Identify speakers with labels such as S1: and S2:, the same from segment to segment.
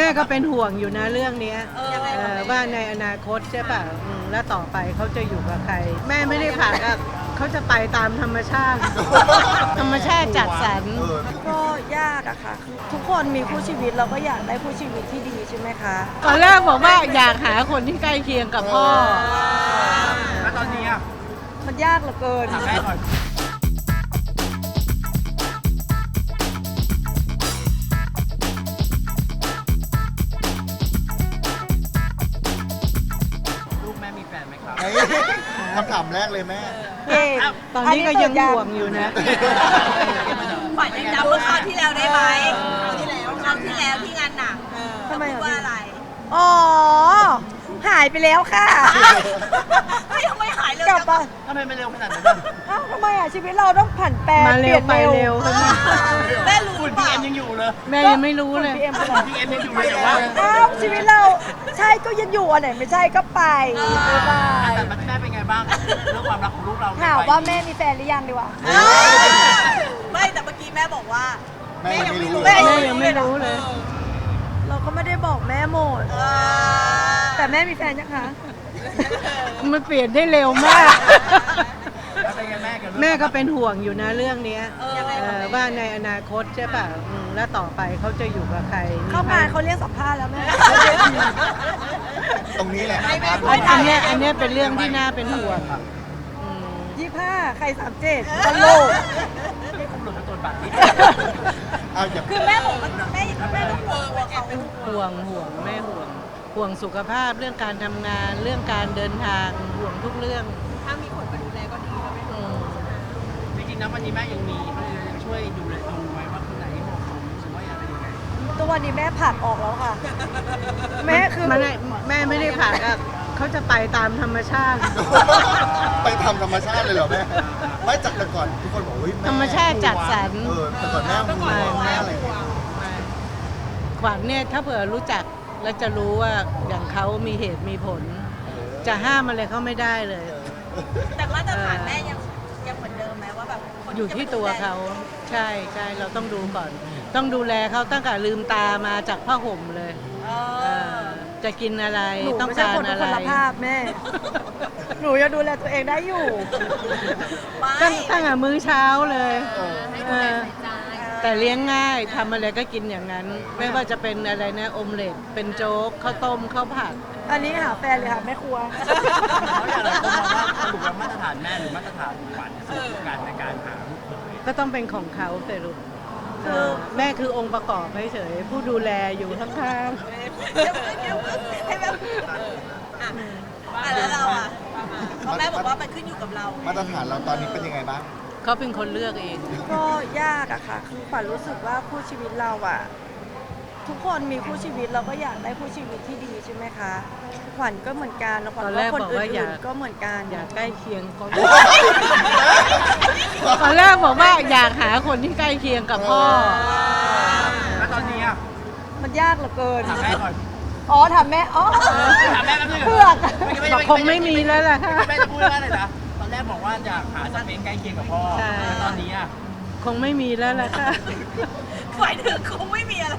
S1: แม่ก็เป็นห่วงอยู่นะเรื่องเนี้ยว่าในอนาคตใช่ป่ะแล้วต่อไปเขาจะอยู่กับใคร แม่ไม่ได้ผ่ากับเขาจะไปตามธรรมชาติ ธรรมชาติจัดสรร
S2: ก็ยากอะค่ะคือทุกคนมีคู่ชีวิตเราก็อยากได้คู่ชีวิตที่ดีใช่ไหมคะ
S1: ตอนแรกบอกว่าอยากหาคนที่ใกล้เคียงกับพ่อ
S3: แล้วตอนนี้อ่ะ
S2: มันยากเหลือเกิน
S3: ถามแม่ก่อนลูกแม่มีแฟนไหมครับ
S4: คำถามแรกเลยแม่
S1: ตอนนี้ก็ยังห่วงอยู่นะ
S5: ขวัญยังจำเมื่อคราวที่แล้วได้ไหมคราวที่แล้วที่งานหนัก
S2: ทำไม
S5: พูดว่าอะไร
S2: อ๋อ หายไปแล้วค่ะ
S5: ไม่ทำไมหายเลย
S2: กลับมา
S3: ทำไมมันเร็วขนาดนั้นอ่ะ
S2: เอ้าทำไมอะชีวิตเราต้องผันแปร
S1: มาเร็วไปเร็ว
S5: แม่รู้
S3: ฝุ่น
S5: เป
S3: พี
S5: ล่า
S3: เอ็มยังอยู่เลย
S1: แม่ยังไม่รู้เลย
S2: พีเอ็มไป
S3: ฝุ่นพีเอ็มยังอยู่เลยแต่ว่า
S2: อ้าวชีวิตเราใช่ก็ยังอยู่อันไหนไม่ใช่ก็ไปบ๊ายบาย
S3: แต่แม่เป็นไงบ้างเรื่องความรักของลูกเรา
S2: ถามว่าแม่มีแฟนหรือยังดีกว่า
S5: ไม่แต่เมื่อกี้แม่บอกว่า
S4: แม่ยังไม่รู้
S1: แม่ยังไม่รู้เลย
S2: เราก็ไม่ได้บอกแม่หมด แต่แม่มีแฟนยังคะ
S1: มันเปลี่ยนได้เร็วมาก
S3: แล้วเป็นไงแม่กับลูก
S1: แม่ก็เป็นห่วงอยู่นะเรื่องเนี้ยว่าในอนาคตใช่ป่ะแล้วต่อไปเขาจะอยู่กับใคร
S2: เข้างานเขาเรียกสัมภาษณ์แล้วแม่
S4: ตรงนี้แหละ
S1: อันเนี้ยเป็นเรื่องที่น่าเป็นห่วงอืม
S2: 25 ใคร 37ตลก
S3: นี่ผมหลุดมาตัวบัตรนี่
S4: เอาอย่า
S5: คือแม่บอกว่าแม่ต้องห่วงเขา
S1: ห่วงแม่ห่วงสุขภาพเรื่องการทำงานเรื่องการเดินทางห่วงทุกเรื่อง
S5: ถ้ามีคนมาดูแลก็ดีแล้วแม่
S1: อืม
S3: จริงๆนะวันนี้แม่ยังมียังช่วยดูแลดูไหมว่าคนไหนเหมาะสมหรือว่าอะไรยังไง
S2: ตัววันนี้แม่ผลักออกแล้วค่ะ แม่คือ
S1: แม่ไม่ได้ผ่ากับเขาจะไปตามธรรมชาติ
S4: ไปทำธรรมชาติเลยเหรอแม่ ไม่จากแต่ก่อนทุกคนบอกเฮ้ยแ
S1: ธรรมชาติจัดสรร
S4: แต่ก่อนแม่ห่วงแม่อะไรอย่างเงี้ย
S1: ขวัญเนี่ยถ้าเผื่อรู้จักแล้วจะรู้ว่าอย่างเขามีเหตุมีผล จะห้ามอะไรเขาไม่ได้เลย
S5: แต่มาตรฐานแม่ยังเหมือนเดิมไหมว่าแบบคน
S1: อยู่ที่ตัวเขาใช่เราต้องดูก่อน ต้องดูแลเขาตั้งแต่ลืมตามาจากผ้าห่มเลย
S5: เอ
S1: เอ
S5: อ
S1: อจะกินอะไร
S2: หนู
S1: ต้อง
S2: ไม่ใช่
S1: การ
S2: คน
S1: อะไร
S2: คนละภาพแม่ หนูยังดูแลตัวเองได้อยู่
S1: ตั้งแต่มื้อเช้าเลยเออแต่เลี้ยงง่ายทำอะไรก็กินอย่างนั้น ไม่ว่าจะเป็นอะไรนะอมเล็ตเป็นโจ๊กข้าวต้มข้าวผัด
S2: อันนี้หาแฟนเลยค่ะแม่ครัว
S3: แล้วอย่างไรคนมองว่าสรุปแล้วมาตรฐานแม่หรือมาตรฐานขวัญสรุปการในการหาลูกเขย
S1: ก็ต้องเป็นของเขาเสรุปแม่คือองค์ประกอบเฉยๆผู้ดูแลอยู่ข้าง
S5: ให้แม่แล้วเราอ่ะเพราะแม่บอกว่ามันขึ้นอยู่กับเรา
S4: มาตรฐานเราตอนนี้เป็นยังไงบ้าง
S1: ๆเขาเป็นคนเลือกเอง
S2: ก็ยากอะค่ะ คือขวัญรู้สึกว่าคู่ชีวิตเราอะทุกคนมีคู่ชีวิตเราก็อยากได้คู่ชีวิตที่ดีใช่ไหมคะ ขวัญก็เหมือนกันแล้วขวัญ
S1: ตอนแร
S2: ว่าก คน
S1: บอกว่าอ
S2: อื่
S1: ยาก
S2: นๆก็เหมือนกัน
S1: อยากใกล้เคียงเขาตอนแรกบอกว่าอยากหาคนที่ใกล้เคียงกับพ่อ
S3: แล้วตอนนี้อ่ะ
S2: มันยากเหลือเกิน
S3: ถามแม่ก่อน
S2: อ๋อถามแม่ อ๋อ
S3: ถามแม่แป๊บนึง
S2: เผือก
S1: บอกคงไม่มีแล้วล่ะค่ะ
S3: แม่จะพูดว่าอะไรนะตอนแรกบอกว่าอยากหาสเปคใกล้เคียงกับพ่อ
S1: ใช่
S3: แล้วตอนนี้อ่ะ
S1: คงไม่มีแล้วล่ะค่ะ
S5: หมายถึงคงไม่มีอะไร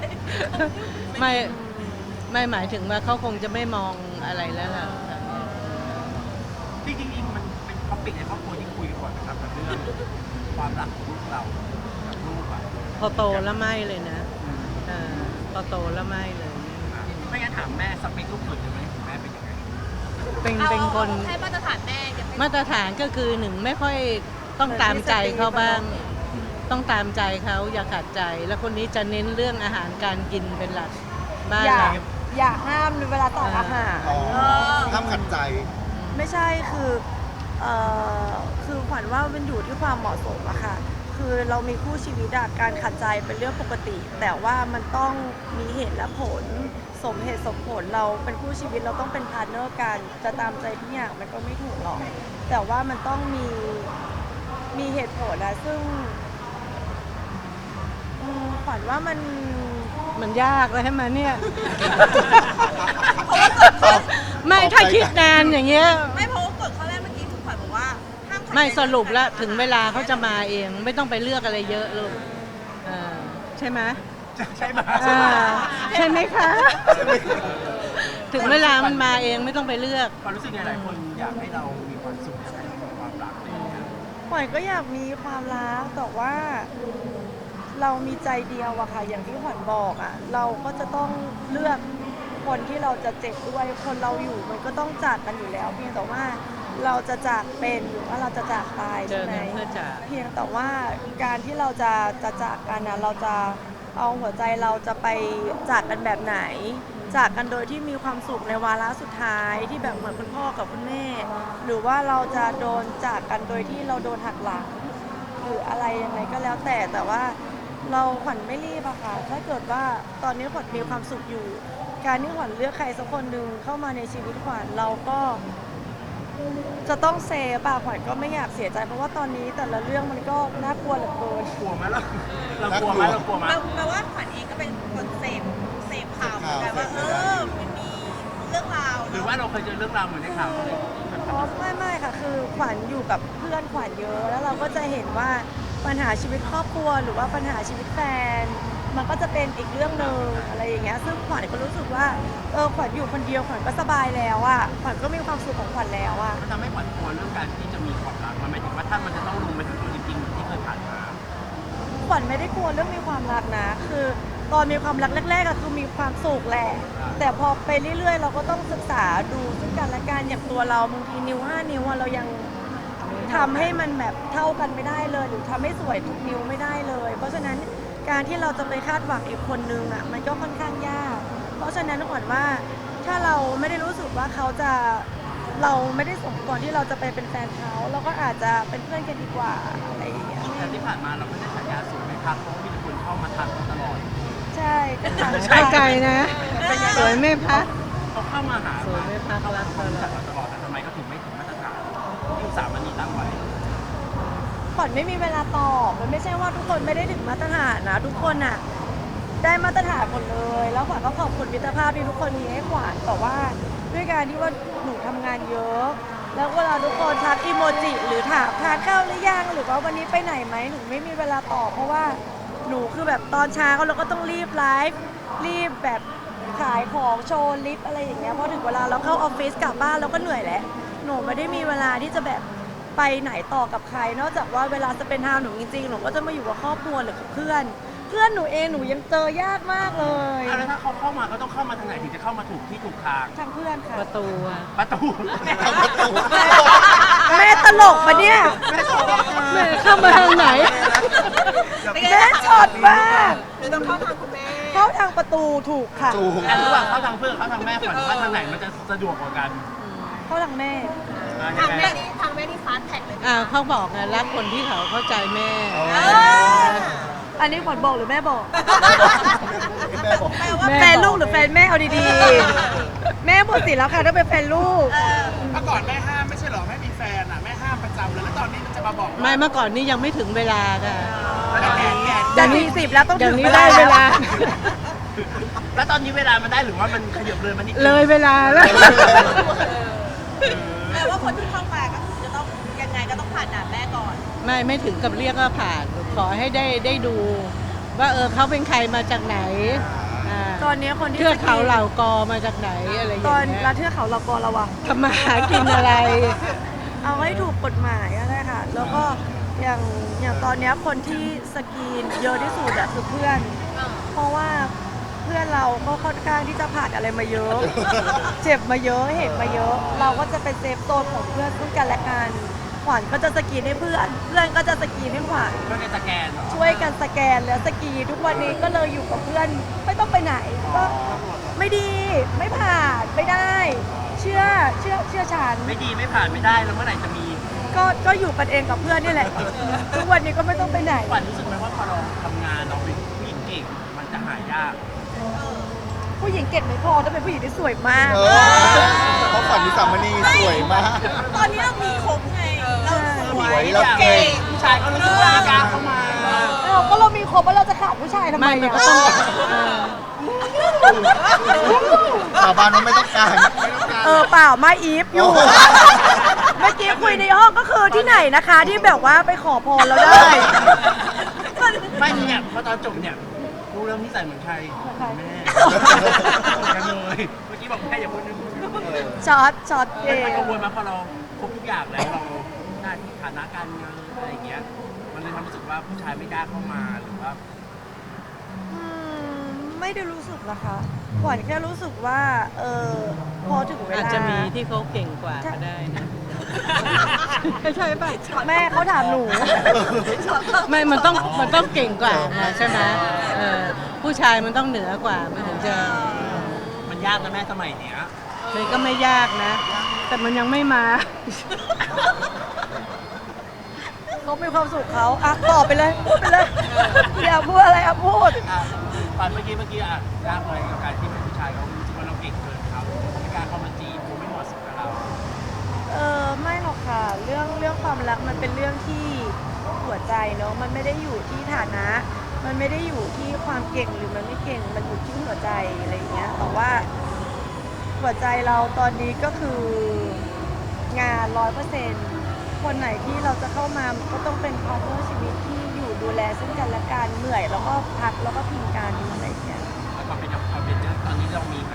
S1: ไม่หมายถึงว่าเขาคงจะไม่มองอะไรแล้วล่ะ
S3: จริงๆมันเป็นท็อปิกในครอบครัวที่คุยกันก่อนนะครับกับเรื่องความรักของลูกเรากับลูกอ่ะ
S1: พอโตแล้วไม่เลยนะพอโตแล้วไม่เลย
S3: ไม่งั้นถามแม่สเปคลูกเขยเลยไหมของแม่เป็นยังไง
S1: เป็นคน
S5: ให้มาตรฐานแม่ยังไม่
S1: มาตรฐานก็คือหนึ่งไม่ค่อยต้องตามใจเขาบ้าง ต้องตามใจเขาอย่าขัดใจ แล้วคนนี้จะเน้นเรื่องอาหารการกินเป็นหลักบ้าน
S2: อย่า
S1: เรา
S2: อย่าห้ามเวลาต่ออาหาร
S4: อ๋อห้ามขัดใจ
S2: ไม่ใช่คือคือขวัญว่ามันอยู่ที่ความเหมาะสมอะค่ะ คือเรามีคู่ชีวิตอะการขัดใจเป็นเรื่องปกติ แต่ว่ามันต้องมีเหตุและผล สมเหตุสมผลเราเป็นคู่ชีวิตเราต้องเป็นพาร์ทเนอร์กัน จะตามใจทุกอย่างมันก็ไม่ถูกหรอก แต่ว่ามันต้องมีเหตุผลนะซึ่งขวัญว่า
S1: มันยากเลยใช่ไหมเนี่ย ไม่ถ้าคิดนานอย่างเงี้ย
S5: ไม่เพราะว่ากฎข้อแรกเมื่อกี้คุณขวัญบอกว่าห้ามขัดใจ
S1: ไม่สรุปแล้วถึงเวลาเขาจะมาเอง ไม่ต้องไปเลือกอะไรเยอะลูกใช่ไหม
S3: ใช่ไหม
S1: ใช่ไหมคะ ถึงเวลามันมาเองไม่ต้องไปเลือก
S3: ความรู้สึกไงหลายคนอยากให้เรามีความสุขในความรักอะไรอย่างเงี้ย
S2: ขวัญก็อยากมีความรักแต่ว่าเรามีใจเดียวอะค่ะ อย่างที่ขวัญบอกอะเราก็จะต้องเลือกคนที่เราจะเจ็บด้วยคนเราอยู่มันก็ต้องจากกันอยู่แล้ว เพียงแต่ว่าเราจะจากเป็นหรือว่าเราจะจากตาย
S1: เจ
S2: ใช่
S1: อ
S2: ไหม
S1: กันเพื่อจาก
S2: เพียงแต่ว่าการที่เราจะจากกันนะเราจะเอาหัวใจเราจะไปจากกันแบบไหน จากกันโดยที่มีความสุขในวาระสุดท้ายที่แบบเหมือนคุณพ่อกับคุณแม่ หรือว่าเราจะโดนจากกันโดยที่เราโดนหักหลังหรืออะไรยังไงก็แล้วแต่ว่าเราขวัญไม่รีบอะค่ะถ้าเกิดว่าตอนนี้ขวัญมีความสุขอยู่ การที่ขวัญเลือกใครสักคนหนึ่งเข้ามาในชีวิตขวัญเราก็จะต้องเซฟอะขวัญก็ไม่อยากเสียใจเพราะว่าตอนนี้แต่ละเรื่องมันก็น่ากลัวเหลือเกิน
S3: กลัวไหมเรากลัวไหมเรากลัวไหม
S5: แปลว่าขวัญเองก็เป็นคนเสพข่าวเหมือนกันว่ามันมีเรื่องราว
S3: หรือว่าเราเคยเจอเรื่องราวเหมือนในข่าวเลย
S2: อ๋อไม่ค่ะคือขวัญอยู่กับเพื่อนขวัญเยอะ แล้วเราก็จะเห็นว่าปัญหาชีวิตครอบครัว หรือว่าปัญหาชีวิตแฟน มันก็จะเป็นอีกเรื่องหนึ่งอะไรอย่างเงี้ยซึ่งขวัญก็รู้สึกว่าขวัญอยู่คนเดียวขวัญก็สบายแล้วอ่ะขวัญก็มีความสุขของขวัญแล้วอ่ะ
S3: มันทำให้ขวัญกลัวเรื่องการที่จะมีความรักมันไม่ถึงว่าถ้ามันจะต้องลงไปถึงตัวจริงๆเหมือนที่เคยผ่านมา
S2: ขวัญไม่ได้กลัวเรื่องมีความรักนะ คือตอนมีความรักแรกๆอะคือมีความสุขแหละ แต่พอไปเรื่อยๆ เราก็ต้องศึกษาดูซึ่งกันและกันอย่างตัวเราบางทีนิ้ว5 นิ้วอะเรายังทำให้มันแบบเท่ากันไม่ได้เลย หรือทำให้สวยทุกนิ้วไม่ได้เลย เพราะฉะนั้นการที่เราจะไปคาดหวังอีกคนนึงอะมันก็ค่อนข้างยาก เพราะฉะนั้นขวัญว่าถ้าเราไม่ได้รู้สึกว่าเขาจะเราไม่ได้สมควรที่เราจะไปเป็นแฟนเขาเราก็อาจจะเป็นเพื่อนกันดีกว่าอะไรอย่างเงี้ย
S3: แต่ที่ผ่านมาเราไม่ได้ฉายาสูงไหมครับเพราะว่ามีแต่คนเข้ามาทักเราตลอด
S2: ใช่ก็ทาง
S1: ไปไกลนะ สวยไม่พัก
S3: เขาเข้ามาหา
S1: สวยไม่พักรัก
S3: เขารู้จักเราตลอดแต่ทำไมก็ถึงไม่ถึงมาตรฐานที่อุตสาหมันนีตั้งไว้
S2: ขวัญไม่มีเวลาตอบมันไม่ใช่ว่าทุกคนไม่ได้ถึงมาตรฐานนะทุกคนอ่ะได้มาตรฐานหมดเลย แล้วขวัญก็ขอบคุณมิตรภาพที่ทุกคนมีให้ขวัญแต่ว่าด้วยการที่ว่าหนูทำงานเยอะ แล้วเวลาทุกคนทักอีโมจิหรือถามทานข้าวหรือยังหรือว่าวันนี้ไปไหนไหมหนูไม่มีเวลาตอบเพราะว่าหนูคือแบบตอนเช้าเราก็ต้องรีบไลฟ์รีบแบบขายของโชว์ลิฟต์อะไรอย่างเงี้ยพอถึงเวลาเราเข้าออฟฟิศกลับบ้านเราก็เหนื่อยแล้วหนูไม่ได้มีเวลาที่จะแบบไปไหนต่อกับใคร นอกจากว่าเวลาจะเป็นทางหนูจริงๆหนูก็จะมาอยู่กับครอบครัวหรือกับเพื่อนหนูเองหนูยังเจอยากมากเลย
S3: แล้วถ้าเขาเข้ามาก็ต้องเข้ามาทางไหนถึงจะเข้ามาถูกที่ถูกทาง
S2: ทางเพื่อนค่ะ
S1: ประตูอะ
S3: ประตู
S2: แม่ตลกปะเนี่ย
S1: แม่เข้ามาทางไหน
S2: แม่ช็อตมาก
S5: หรือต้องเข้าทางคุณแม่
S2: เข้าทางประตูถูกค่ะ
S4: จูง
S3: แต่ระหว่างเข้าทางเพื่อนเข้าทางแม่ฝันว่าทางไหนมันจะสะดวกกว่ากัน
S2: เข้าทางแม่
S5: ทางแม่นี่ฟาสต์แท็กเลย
S1: เขาบอกไงรักคนที่เขาเข้าใจแม่
S2: อันนี้ขวัญบอกหรือแม่บอก
S4: แม่บอก
S2: แฟนลูกหรือแฟนแม่เอาดีๆ แม่หมดสิทธิ์แล้วค่ะถ้าเป็นแฟนลูก
S6: เมื่อก่อนแม่ห้ามไม่ใช่เหรอแม่มีแฟนอ่ะแม่ห้ามประจำเลยแล้วตอนนี้มันจะมาบอก
S1: ไม่เมื่อก่อนนี้ยังไม่ถึงเวลาค่ะ
S2: จะมีสิบแล้วต้อง
S1: เดี๋ย
S2: ถึ
S1: ว
S2: ง
S1: นี้
S2: เว
S1: ได้
S2: ลา
S1: เวลา
S3: แล้วตอนนี้เวลามันได้หรือว่ามันขยับเลยมันนิดนึง
S1: เลยเวลาแล้ว
S5: แปลว่าคนที่เข้ามาก็คือจะต้องยังไงก็ต้องผ่านด่านแม่ก่อน
S1: ไม่ถึงกับเรียกว่าผ่าน ขอให้ได้ดู ว่าเขาเป็นใครมาจากไหน
S2: ตอนนี้คนที่
S1: เทือกเขาเหล่ากอมาจากไหนอะไรอย่าง
S2: ตอน
S1: เงี้ย
S2: ละเทือกเขาเรากอระวัง
S1: ทำมาหากินอะไร
S2: เอาให้ถูกกฎหมายก็ได้ค่ะ แล้วก็อย่างตอนเนี้ยคนที่สกรีนเยอะที่สุดอะคือเพื่อน เพราะว่าเพื่อนเราก็ค่อนข้างที่จะผ่านอะไรมาเยอะ เจ็บมาเยอะเห็นมาเยอะ เราก็จะเป็นเซฟโซนของเพื่อนซึ่งกันและกันขวัญก็จะสกรีนให้เพื่อน เพื่อนก็จะสกรีนให้ขวัญ
S3: เพื่อในสแกนเหรอ
S2: ช่วยกันสแกนแล้วสกรีนทุกวันนี้ก็เลยอยู่กับเพื่อนไม่ต้องไปไหนก็ไม่ดีไม่ผ่านไม่ได้ เชื่อฉัน
S3: ไม่ดีไม่ผ่านไม่ได้แล้วเมื่อไหร่จะมี
S2: ก็อยู่กันเองกับเพื่อนนี่แหละ ทุกวันนี้ก็ไม่ต้องไปไหน
S3: ขวัญรู้สึกไหมว่าพอเราทำงานเราเป็นผู้หญิงเก่งมันจะหายาก
S2: ผู้หญิงเก่งไม่พอต้องเป็นผู้หญิงที่สวยมาก
S4: เพราะขวัญนิสามณีสวยมาก
S5: ตอนนี้เรามีครบไง เราสวย
S4: สวยเราเก่ง
S3: ผู้ชายก็รู้สึกว่าไม่กล้าเข้ามา
S2: ก็เรามีครบแล้วเราจะขาดผู้ชายทำไม
S1: ไม่มัน
S2: อะ
S1: ก็ต้อง
S4: สาบานว่าไม่ต้องการ
S2: เปล่าไม่อีฟอยู่ เมื่อกี้คุยในห้องก็คือที่ไหนนะคะ ที่แบบว่าไปขอพรแล้วได้
S3: ไม่เนี่ยพอตอนจบเนี่ยรู้แล้วนิสัยเหมือนใครแม่กันเลยเมื่อกี้บอกแม่อย่าพูดนะ
S2: ช็อตเอ
S3: มัน
S2: ง
S3: กังวลมาพอเราครบทุกอย่างแล้วเราหน้าที่ฐานะการเงินอะไรอย่างเงี้ยมันเลยทำให้รู้สึกว่าผู้ชายไม่กล้าเข้ามาหรือว่า
S2: ไม่ได้รู้สึกนะคะขวัญแค่รู้สึกว่าพอถึงเว
S1: อาจ
S2: ลา
S1: จะมีที่เขาเก่งกว่าก็ได้นะใช่ป่ะ
S2: แม่เขาถามหนู
S1: ไม่มันต้องเก่งกว่านะใช่ไหมผู้ชายมันต้องเหนือกว่ามันถึงจะ
S3: มันยากนะแม่สมัยเนี้ย
S1: เลยก็ไม่ยากนะ แต่มันยังไม่มา
S2: เขามีความสุขเขาอ่ะตอบไปเลยพูดไปเลยอยากพูดอะไรอ่ะพูด
S3: ตอนเมื่อกี้ยากเลยกับการที่เป็นผู้ชายเขารู้สึกว่าเราเก่งเกินเขาไม่กล้าเข้ามาจีบไม่เหมาะสมกับเรา
S2: ไม่หรอกค่ะเรื่องความรักมันเป็นเรื่องที่หัวใจเนาะมันไม่ได้อยู่ที่ฐานะ มันไม่ได้อยู่ที่ความเก่งหรือมันไม่เก่งมันอยู่ที่หัวใจอะไรอย่างเงี้ยแต่ว่าหัวใจเราตอนนี้ก็คืองาน 100%คนไหนที่เราจะเข้ามาก็ต้องเป็นพาร์ทเนอร์ชีวิตที่อยู่ดูแลซึ่งกันและกันเหนื่อยแล้วก็พักแล้วก็พิงกันอะไรอย่างเงี้ย
S3: แล้วความเป็นตอนนี้เรามีไหม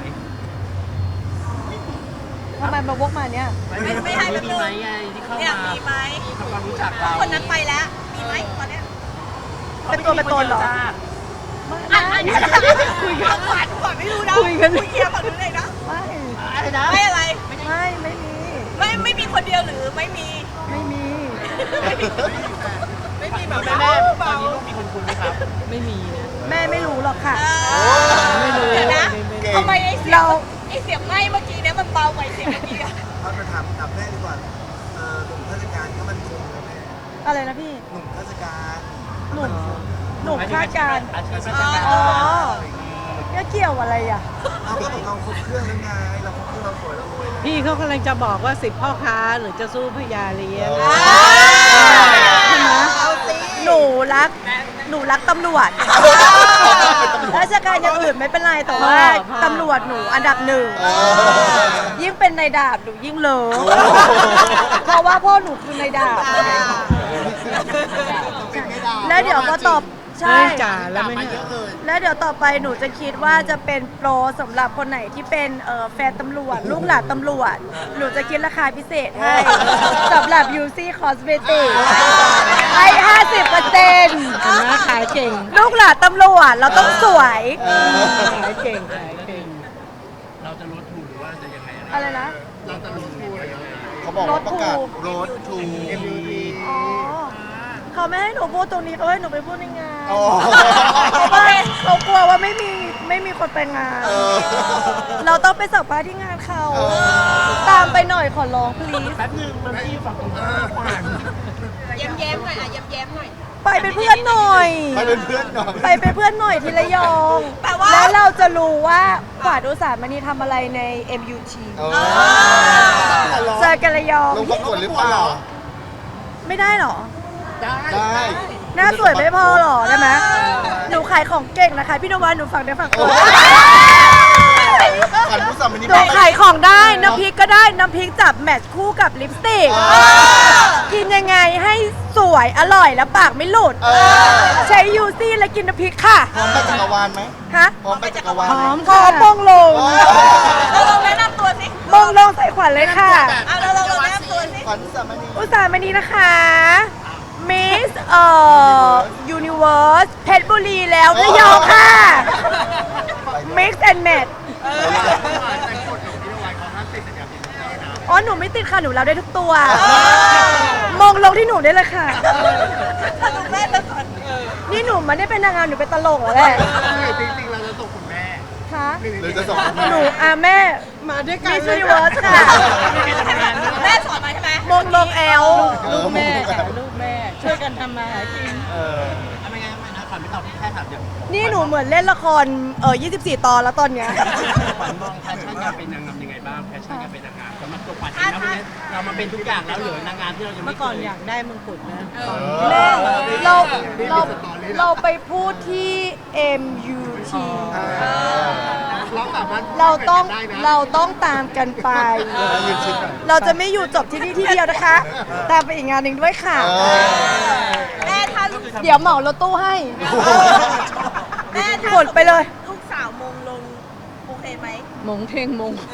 S2: ทำไมมาวกมาเนี่ย
S5: ไม่ให้
S3: มี
S5: เป็น
S3: ไหม
S5: เลย
S3: ไงที่เข้า
S5: เนี่ย
S3: มา
S5: มีไหม
S3: ทำความรู้จักเรา
S5: คนนั้นไปแล้วมีไหมตอนเนี้ย
S2: เป็นตัวเป็นตนเหรอ
S5: คุยกันขวัญไม่รู้นะคุยเคลียร์ฝั่งนู้นเลยนะ
S2: ไม่
S3: อะไรนะ
S5: ไม่อะไร
S2: ไม่มี
S5: ไม่มีคนเดียวหรือไม่มี
S2: ไม่มี
S5: ไม่มีแบบ
S3: แม่ตอนนี้ลูกมีคนคุยไหมครับ
S1: ไม่มีนะ
S2: แม่ไม่รู้หรอกค่ะ
S1: ไม่รู้
S5: เดี๋ยวนะ
S4: เก่ง
S5: ทำไมไอ้เสียงไหม้เมื่อกี้เนี่ยมันเบากว่าเสียงเมื่อกี้อะ
S7: เอาไปถามแม่ดีกว่าหนุ่มข้าราชการก็มันคงนะแม่
S2: อะไรนะพี่
S7: หนุ่มข้าราชการ
S2: หนุ่มคาดการณ์
S3: อาชีพราชการ
S2: อ๋อเนี่ยเกี่ยวอะไรอ่ะ
S7: เอาก็เราครบเครื่องแล้วไงเราครบเครื่องเราสวยเรารวยนะ
S1: พี่เขากำลังจะบอกว่า10พ่อค้าหรือจะสู้พญาเลี้ยง
S2: หนูรักตำรวจราชการอย่างอื่นไม่เป็นไรแต่ว่าตำรวจหนูอันดับหนึ่งยิ่งเป็นนายดาบหนูยิ่งเลิฟเพราะว่าพ่อหนูคือนายดาบแล้วเดี๋ยวก็ตอบใช่
S1: เฮ้ยจ่าแล้วไม่เนี่ย
S2: แล้วเดี๋ยวต่อไปหนูจะคิดว่าจะเป็นโปรสำหรับคนไหนที่เป็นแฟนตำรวจลูกหลานตำรวจ หนูจะคิดราคาพิเศษให้สำหรับ UC Cosmetic ให้ 50%
S1: เห็นไหมขายเก่ง
S2: ลูกหลานตำรวจเราต้องสวย
S1: ขายเก่งขายเก่ง
S3: เราจะลดทุนหรือว่าจะยังไง
S2: อะไรนะ
S3: เราจะลดทุนอะไรยังไง
S4: เขาบอกว่าประกาศรถทู
S2: อ๋อเขาไม่ให้หนูพูดตรงนี้เขาให้หนูไปพูดในงาน
S4: อ๋อ
S2: เพราะว่าเขากลัวว่าไม่มีคนไปงาน เราต้องไปสัมภาษณ์ที่งานเขา ตามไปหน่อยขอร้อง please
S3: แป๊บนึงมันที่ฝั่งตรงข้ามขวาน
S5: แย้มๆหน่อยแย้มๆหน่อย
S2: ไปเป็นเพื่อนหน่อย
S4: ไปเป็นเพื่อนหน่อย
S2: ไปเป็นเพื่อนหน่อยที่ระยอง
S5: แปลว่า
S2: แล้วเราจะรู้ว่าขวาดอุตสาหมณีทำอะไรใน MUT เจอกันระยอง
S4: ลงประกวดหรือเปล่า
S2: ไม่ได้หรอ
S4: ได้
S2: หน้าสวยไม่พอหรอได้ไหมหนูขายของเก่งนะคะพี่นวัดหนูฝากได้ฝากตัว
S4: ขันผู้สามัญนี้
S2: หนูขายของได้น้ำพริกก็ได้น้ำพริกจับแมทช์คู่กับลิปสติก กินยังไงให้สวยอร่อยแล้วปากไม่หลุด ใช้ยูซี่และกินน้ำพริกค่ะ
S4: พร้อมไปจักรวาลไหม
S2: ฮะ
S4: พร้อมไปจักรวาล
S1: พร้อม
S2: ขอมงลง
S5: เราลองแนะนำตัวสิ
S2: มงลงใส่ขวัญเลยค่ะ
S5: เราลองแนะนำตัวสิ
S4: ขันผู้สามัญนี้
S2: อุตสาหมณีนะคะมิสยูนิเวิร์สเพชรบุรีแล้วระยองค่ะ Mix and Match อ๋อหนูไม่ติดค่ะ หนูรับได้ทุกตัว มองลงที่หนูได้เลยค่ะ
S5: ถ้าดูแม่ตะก่อน
S2: นี่หนูไมันได้เป็นนางงามหนูเป็นตลกเหรอแหละ
S7: จริงๆเราจะส่งคุณแม่
S2: คะ
S4: หรือจะส่ง
S2: หนูแม่
S1: มาด้วยกัน
S2: มิส
S1: เล
S2: ยู
S1: ย
S2: นิเวิร์สค่ะ
S5: แม่สอนมาใช่ไหม
S2: มงลงแอล
S1: ลูกแม่ค่ะลูกแม่ ช่วยกันทำมาหากิน
S3: ทำไมงั้นนะขวัญไม่ตอบพี่แค่ถามอย่าง
S2: นี่หนูเหมือนเล่นละคร24 ตอนแล้วตอนเนี้ย
S3: ขวัญมองแพชชั่นการเป็นนางงามยังไงบ้างแพชชั่นการเป็นนางงามสำหรับตัวขวัญเองนะวันนี้เรามาเป็นทุกอย่างแล้วเหลือนางงามที่เรายัง
S1: เมื่
S3: ไม่
S1: อ
S3: เค
S1: ก่อน
S3: ย
S1: อยากได้มงกุฎนะ
S2: แม่เราไปพูดที่ MUT
S7: เราสามารถ
S2: เราต้องตามกันไป
S4: ยืนชิดกัน
S2: เราจะไม่อยู่จบที่นี่ที่เดียวนะคะ ตามไปอีกงานหนึ่งด้วยค่ะ
S5: แม่ถ้าลูก
S2: เดี๋ยวเหมารถตู้ให้
S5: แม่ถ้า
S2: กดไปเลย
S5: ลูกสาวมงลงโอเคไหม
S1: มงเท่งมง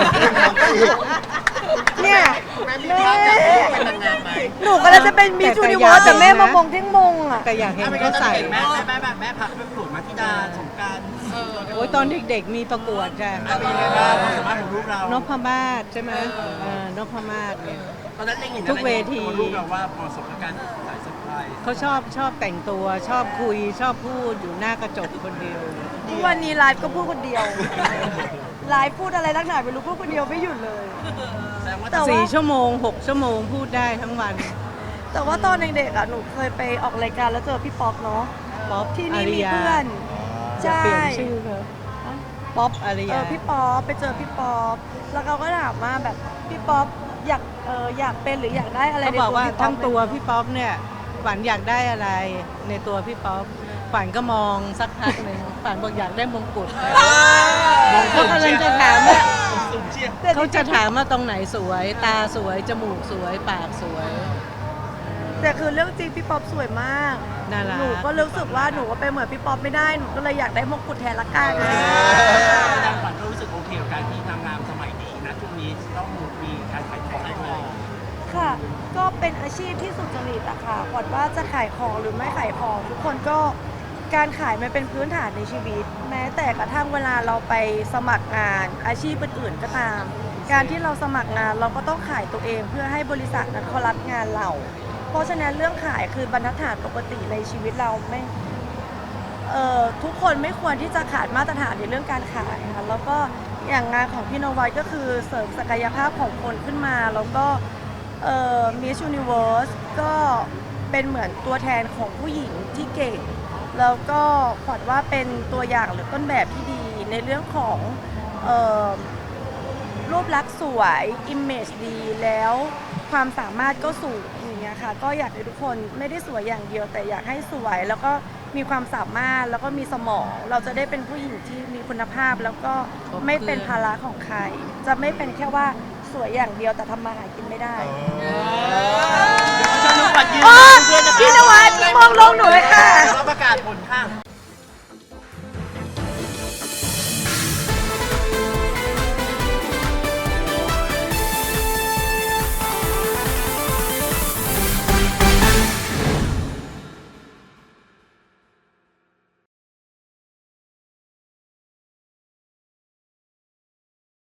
S2: เนี่ยแม่
S3: เป็นนางงามไหม
S2: หนูก็เลยจะเป็นมิส
S1: แต่
S2: ยูนิ
S1: อ
S2: เวิ
S1: ยาก
S2: ร์สแต่แม่
S1: เห็นนะ
S2: มามองเท่งมงอ่ะ
S1: แต่อยากเห็นเขาใส่
S3: แม่พักไปปลูกมาธิดาสงกราร
S1: โอ้ยตอนเด็กๆมีประกวดจ้ะ
S3: เป็นยังไงบ้างความสามารถของลูกเรา
S1: นพมาศใช่ไหมนพมาศเนี่ย
S3: ตอนนั้นเองเห็น
S1: ทุกเวที
S3: ตัวลูกเราว่าเหมาะสมกับการสายสะพาย
S1: เขาชอบแต่งตัวชอบคุยชอบพูดอยู่หน้ากระจกคนเดียว
S2: ทุกวันนี้ไลฟ์ก็พูดคนเดียว ไลฟ์พูดอะไรตั้งหนาไม่รู้พูดคนเดียวไม่หยุดเลย
S3: แสดงว่า
S2: แต่ว่า
S1: 4 ชั่วโมง 6 ชั่วโมงพูดได้ทั้งวัน
S2: แต่ว่าตอนเด็กๆอ่ะหนูเคยไปออกรายการแล้วเจอพี่ป๊อกเนาะ
S1: ป๊อป
S2: ที่
S1: อา
S2: นี่
S1: ริ
S2: มี
S1: ยา
S2: เพื่อน
S1: จะ
S2: ใช่
S1: เปลี่ยนชื่อเขาป๊อปอาริยา
S2: พี่ป๊อปไปเจอพี่ป๊อปแล้วเขาก็ถามว่าแบบพี่ป๊อปอยากเป็นหรืออยากได้อะไร
S1: เขา
S2: ใน
S1: บอก
S2: ตัว
S1: ว่า
S2: พี่ป๊อป
S1: ทั้งตัวพี่ป๊อปเนี่ยฝันอยากได้อะไรในตัวพี่ป๊อปฝันก็มองสักพักหนึ่งฝันบอกอยากได้มงกุฎเขากำลังจะถามว่า
S3: สูงเชียร์
S1: เขาจะถามว่าตรงไหนสวย ตาสวยจมูกสวยปากสวย
S2: แต่คือเรื่องจริงพี่ป๊อปสวยมาก
S1: น่ารัก
S2: หนูก็รู้สึกว่าหนูก็เป็นเหมือนพี่ป๊อปไม่ได้หนูก็เลยอยากได้มงกุฎแทนละกัน
S3: นางขวัญก็รู้สึกโอเคกับการที่นางงามสมัยนี้นะช่วงนี้ต้องมีการขายของด้วย
S2: ค่ะ ก็เป็นอาชีพที่สุจริตอะค่ะก่อนว่าจะขายของหรือไม่ขายของ ทุกคนก็การขายมันเป็นพื้นฐานในชีวิต แม้แต่กระทั่งเวลาเราไปสมัครงานอาชีพอื่นๆก็ตาม การที่เราสมัครงานเราก็ต้องขายตัวเองเพื่อให้บริษัทนั้นเขารับงานเรา เพราะฉะนั้นเรื่องขายคือบรรทัดฐานปกติในชีวิตเราไม่ทุกคนไม่ควรที่จะขาดมาตรฐานในเรื่องการขายค่ะแล้วก็อย่างงานของพี่นวัดก็คือเสริมศักยภาพของคนขึ้นมาแล้วก็Miss Universe ก็เป็นเหมือนตัวแทนของผู้หญิงที่เก่ง แล้วก็ขวัญว่าเป็นตัวอย่างหรือต้นแบบที่ดีในเรื่องของรูปลักษณ์สวย image ดีแล้วความสามารถก็สูงอย่างเงี้ยค่ะก็อยากให้ทุกคนไม่ได้สวยอย่างเดียว แต่อยากให้สวยแล้วก็มีความสามารถแล้วก็มีสมอง เราจะได้เป็นผู้หญิงที่มีคุณภาพ แล้วก็ไม่เป็นภาระของใคร จะไม่เป็นแค่ว่าสวยอย่างเดียวแต่ทำมาหากินไม่ได้
S3: ชอบน้องขวัญยืน